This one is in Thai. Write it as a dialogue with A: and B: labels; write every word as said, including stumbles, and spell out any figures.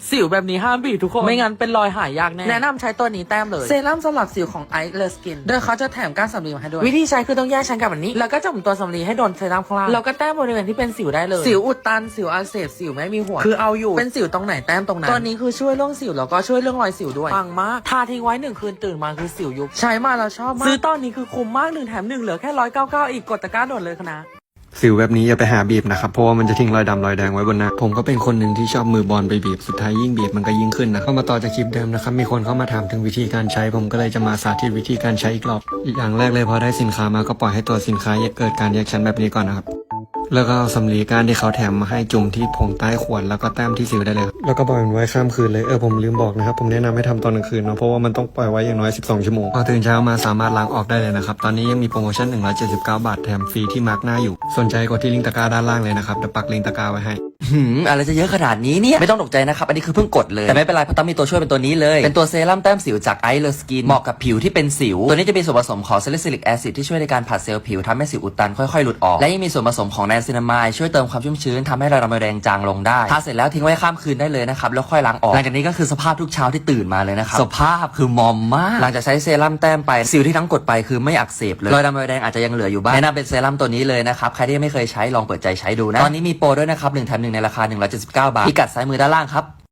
A: สิวแบบนี้ห้ามบีบทุกคนไม่งั้นเป็นรอยหายยากแน่แนะนำใช้ตัวนี้แต้มเลยเซรั่มสำหรับสิวของไอซ์เลสกินโดยเขาจะแถมก้านสำลีมาให้ด้วยวิธีใช้คือต้องแยกชั้นกับแบบนี้แล้วก็จุ่มตัวสำลีให้โดนเซรั่มข้างล่างแล้วก็แต้มบริเวณที่เป็นสิวได้เลยสิวอุดตันสิวอักเสบสิวไม่มีหัวคือเอาอยู่เป็นสิวตรงไหนแต้มตรงนั้นตัวนี้คือช่วยเรื่องสิวแล้วก็ช่วยเรื่องรอยสิวด้วยปังมากทาทิ้งไว้หนึ่งคืนตื่นมาคือสิวยุบใช้มาแล้วชอบมากซื้อตอนนี้คือคุ้มมากหนึ่งแถมหนึ่งเหลือแค่ร้อยเก้าเก้าอีกกดตะกร้าด่วนเลยนะ
B: สิวแบบนี้อย่าไปหาบีบนะครับเพราะว่ามันจะทิ้งรอยดำรอยแดงไว้บนหน้าผมก็เป็นคนหนึ่งที่ชอบมือบอลไปบีบสุดท้ายยิ่งบีบมันก็ยิ่งขึ้นนะเข้ามาต่อจากคลิปเดิมนะครับมีคนเข้ามาถามถึงวิธีการใช้ผมก็เลยจะมาสาธิตวิธีการใช้อีกรอบอีกอย่างแรกเลยพอได้สินค้ามาก็ปล่อยให้ตัวสินค้าเกิดการแยกชั้นแบบนี้ก่อนนะครับแล้วก็เอาสำลีก้านที่เขาแถมมาให้จุ่มที่ผงใต้ขวดแล้วก็แต้มที่สิวได้เลยแล้วก็ปล่อยมันไว้ข้ามคืนเลยเออผมลืมบอกนะครับผมแนะนำให้ทำตอนกลางคืนเนาะเพราะว่ามันต้องปล่อยไว้อย่างน้อยสิบสองชั่วโมงพอตื่นเช้ามาสามารถล้างออกได้เลยนะครับตอนนี้ยังมีโปรโมชั่นหนึ่งร้อยเจ็ดสิบเก้าบาทแถมฟรีที่มาร์กหน้าอยู่สนใจกดที่ลิงก์ตะกร้าด้านล่างเลยนะครับเดี๋ยวปักลิงก์ตะกร้าไว้ให้
C: หืมอะไรจะเยอะขนาดนี้เนี่ยไม่ต้องตกใจนะครับอันนี้คือเพิ่งกดเลยแต่ไม่เป็นไรเพราะต้องมีตัวช่วยเป็นตัวนี้เลยเป็นตัวเซรั่มแต้มสิวจากไอซ์เลสกินเหมาะกับผิวที่เป็นสิวตัวนี้จะมีส่วนผสมของซาลิซิลิกแอซิดที่ช่วยในการผัดเซลล์ผิวทำให้สิวอุดตันค่อยๆหลุดออกและยังมีส่วนผสมของไนซินามายช่วยเติมความชุ่มชื้นทำให้รอยดำแดงจางลงได้ทาเสร็จแล้วทิ้งไว้ข้ามคืนได้เลยนะครับแล้วค่อยล้างออกหลังจากนี้ก็คือสภาพทุกเช้าที่ตื่นมาเลยนะครับสภาพคือมอมมากหลังจากใช้เซรั่มแต้มไปสิวที่ทั้งกดไปคือไม่อักเสบเลยรอยดำแดงอาจจะยังเหลืออยู่บ้างแนะนำเป็นเซรั่มตัวนี้เลยนะครับใครที่ยังไม่เคยใช้ลองเปิดใจใช้ดูนะตอนนี้มีโปรด้วยนะครับหนึ่งแถมหนึ่งในราคาหนึ่งร้อยเจ็ดสิบเก้าบาทพิกัดซ้ายมือด้านล่างครับ